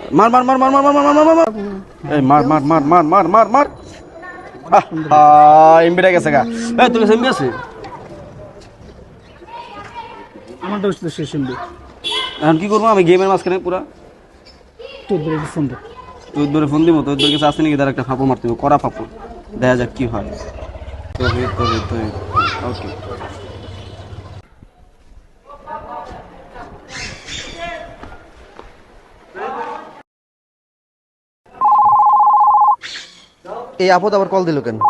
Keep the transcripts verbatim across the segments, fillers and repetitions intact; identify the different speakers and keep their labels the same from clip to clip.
Speaker 1: মার মার মার মার মার মার মার মার মার এই মার মার মার মার মার মার মার আহ এমবিটা গেছে গা। এই তোর কাছে এমবি আছে?
Speaker 2: আমার দোস্ত তো শেষ এমবি।
Speaker 1: এখন কি করবো আমি গেমের মাঝখানে পুরা?
Speaker 2: তোর ধরে ফোন দে।
Speaker 1: তোর ধরে ফোন দিব? তোর ধরে কাছে আসে নাকি? তার একটা ফাঁপো মারতে হবে, কড়া ফাঁপো, দেখা যাক কি হয়। তবে তবে তবে ওকে।
Speaker 3: এই আপদ আবার কল দিল কেন?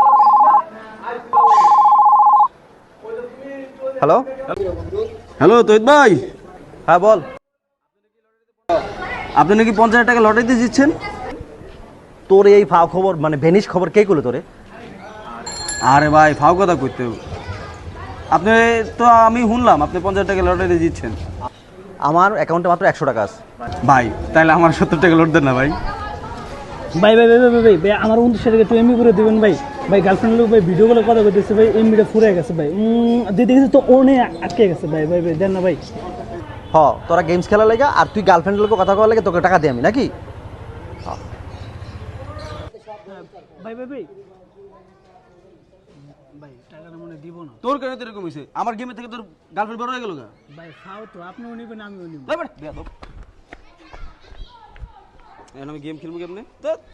Speaker 3: হ্যালো
Speaker 1: হ্যালো তৈত ভাই,
Speaker 3: হ্যাঁ বল।
Speaker 1: আপনি নাকি পঞ্চাশ হাজার টাকা লটারিতে জিতছেন?
Speaker 3: তোর এই ফাও খবর মানে ভেনিস খবর কে করলো তোরে?
Speaker 1: আরে ভাই ফাও কথা করতে হবে। আপনি তো আমি শুনলাম আপনি পঞ্চাশ টাকা লটারিতে জিতছেন।
Speaker 3: আমার অ্যাকাউন্টে মাত্র একশো টাকা আছে।
Speaker 1: ভাই তাহলে আমার সত্তর টাকা লোড দেন না ভাই।
Speaker 2: ভাই ভাই ভাই ভাই ভাই ভাই আমার উনত্রিশ টাকা একটু এমবি করে দিবেন ভাই। ভাই গার্লফ্রেন্ড লোক ভাই ভিডিও গুলো কথা বলতেছে ভাই, এমবিটা ফুরে গেছে ভাই। দিয়ে দেখেছি তো ও নিয়ে আটকে গেছে ভাই। ভাই ভাই দেন না ভাই।
Speaker 3: হ, তোরা গেমস খেলা লেগে আর তুই গার্লফ্রেন্ডের লোক কথা কওয়ার লেগে তোকে টাকা দিই আমি নাকি?
Speaker 2: ভাই ভাই ভাই ভাই টাকাটা মনে দিব না
Speaker 1: তোর কেন তো এরকম হয়েছে? আমার গেমের থেকে তোর গার্লফ্রেন্ড বড় হয়ে গেল গা।
Speaker 2: ভাই। খাও তো, আপনিও নিবেন আমিও নিব।
Speaker 1: এখন আমি গেম খেলবো কেমনে?